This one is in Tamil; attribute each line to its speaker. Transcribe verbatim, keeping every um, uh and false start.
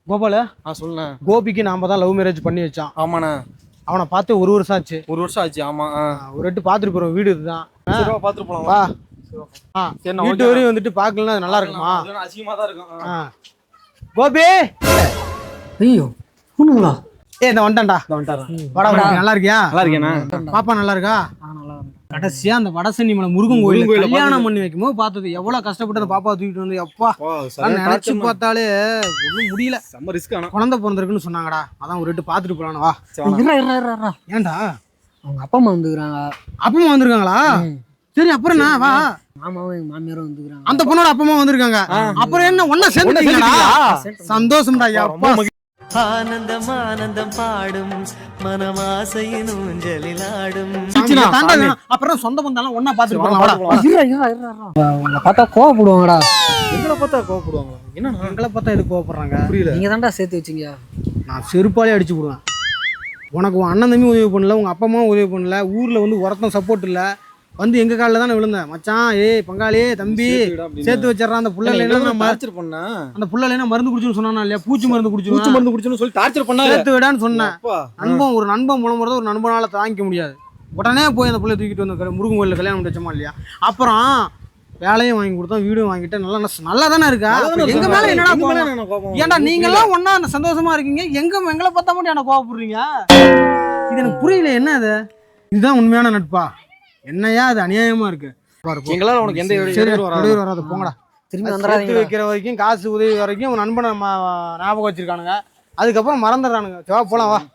Speaker 1: கோபால
Speaker 2: ஆ சொல்லுண்ணே.
Speaker 1: கோபிக்கு நாம தான் லவ் மேரேஜ் பண்ணி வச்சான்.
Speaker 2: ஆமாண்ணே.
Speaker 1: அவனை பார்த்து ஒரு வருஷம் ஆச்சு.
Speaker 2: ஒரு வருஷம் ஆச்சு. ஆமா.
Speaker 1: ஒரு எட்டு பார்த்துட்டு போறோம். வீடு இதுதான்.
Speaker 2: பார்த்துட்டு போலாம்
Speaker 1: வா.
Speaker 2: ஆ
Speaker 1: வீட்டு வரையும் வந்துட்டு பார்க்கலாம். நல்லா இருக்குமா?
Speaker 2: அசிங்கமா தான் இருக்கும்.
Speaker 1: கோபி
Speaker 3: ஐயோ ஒண்ணுங்களா?
Speaker 1: ஏ இந்த வந்துட்டான்டா. வாடா. நல்லா இருக்கியா?
Speaker 2: நல்லா இருக்கேண்ணா.
Speaker 1: பாப்பா நல்லா இருக்கா? கடைசியா அந்த வடசென்னி மலை முருகன் கோயில் கல்யாணம் பண்ணி வைக்கும் போது பார்த்தது எவ்வளவு கஷ்டப்பட்டு அந்த பாப்பா தூக்கிட்டு வந்து அப்பா நினைச்சு பார்த்தாலே ஒன்றும் முடியல.
Speaker 2: செம்ம ரிஸ்க். ஆனா
Speaker 1: குழந்தை பிறந்திருக்குன்னு சொன்னாங்கடா. அதான் ஒரு எட்டு பார்த்துட்டு போலான்னு. வா. ஏன்டா
Speaker 3: அவங்க அப்பா அம்மா வந்துக்கிறாங்க.
Speaker 1: அப்பா அம்மா வந்திருக்காங்களா? சரி அப்புறம் என்ன? வா.
Speaker 3: மாமாவும் எங்க மாமியாரும் வந்துக்கிறாங்க.
Speaker 1: அந்த பொண்ணோட அப்பா அம்மா வந்திருக்காங்க. அப்புறம் என்ன ஒன்னா சேர்ந்துட்டீங்களா? சந்தோஷம்டா. அப்பா
Speaker 4: ஆனந்தம் ஆனந்தம் பாடும் மனமாசையின் ஊஞ்சலில் ஆடும்.
Speaker 1: அப்புறம் சொந்த பந்தாலும் ஒன்னா பாத்துட்டு
Speaker 3: பார்த்தா கோவப்படுவாங்கடா.
Speaker 2: எங்களை பார்த்தா கோவப்படுவாங்க. என்ன
Speaker 1: எங்களை பார்த்தா எது கோவப்படுறாங்க?
Speaker 3: புரியல. நீங்க தான்டா சேர்த்து வச்சீங்க.
Speaker 1: நான் செருப்பாலே அடிச்சு விடுவேன். உனக்கு உன் அண்ணன் தம்பி உதவி பண்ணல, உங்க அப்பா அம்மா உதவி பண்ணல, ஊர்ல வந்து ஒருத்தன் சப்போர்ட் இல்ல, வந்து எங்க காலில் தானே விழுந்தேன். மச்சான் ஏய் பங்காளி தம்பி சேர்த்து வச்சிடறான். அந்த புள்ள டார்ச்சர் பண்ண அந்த புள்ள மருந்து குடிச்சுன்னு சொன்னா இல்லையா? பூச்சி மருந்து குடிச்சு பூச்சி மருந்து குடிச்சுன்னு சொல்லி டார்ச்சர் பண்ண சேர்த்து விடான்னு சொன்னேன். நண்பன் ஒரு நண்பன் மூலம் வரத ஒரு நண்பனால தாங்கிக்க முடியாது. உடனே போய் அந்த புள்ள தூக்கிட்டு வந்து முருகன் கோயிலில் கல்யாணம் பண்ணி வச்சோமா இல்லையா? அப்புறம் வேலையும் வாங்கி கொடுத்தோம், வீடும் வாங்கிட்டேன். நல்லா நல்லா தானே இருக்கா? எங்க மேல என்னடா கோபம்? ஏன்டா நீங்க எல்லாம் ஒன்னா சந்தோஷமா இருக்கீங்க, எங்க எங்களை பார்த்தா மட்டும் என்ன கோவப்படுறீங்க? இது எனக்கு புரியல. என்ன அது? இதுதான் உண்மையான நட்பா? என்னையா அது அநியாயமா இருக்கு.
Speaker 2: எங்களால உனக்கு எந்த
Speaker 1: இடையூறு வராது. போங்கடா.
Speaker 3: திரும்பி வந்துடாதீங்க.
Speaker 1: வைக்கிற வரைக்கும் காசு உதவி வரைக்கும் நண்பனை ஞாபகம் வச்சிருக்கானுங்க. அதுக்கப்புறம் மறந்துடுறானுங்க. போலாம் வா.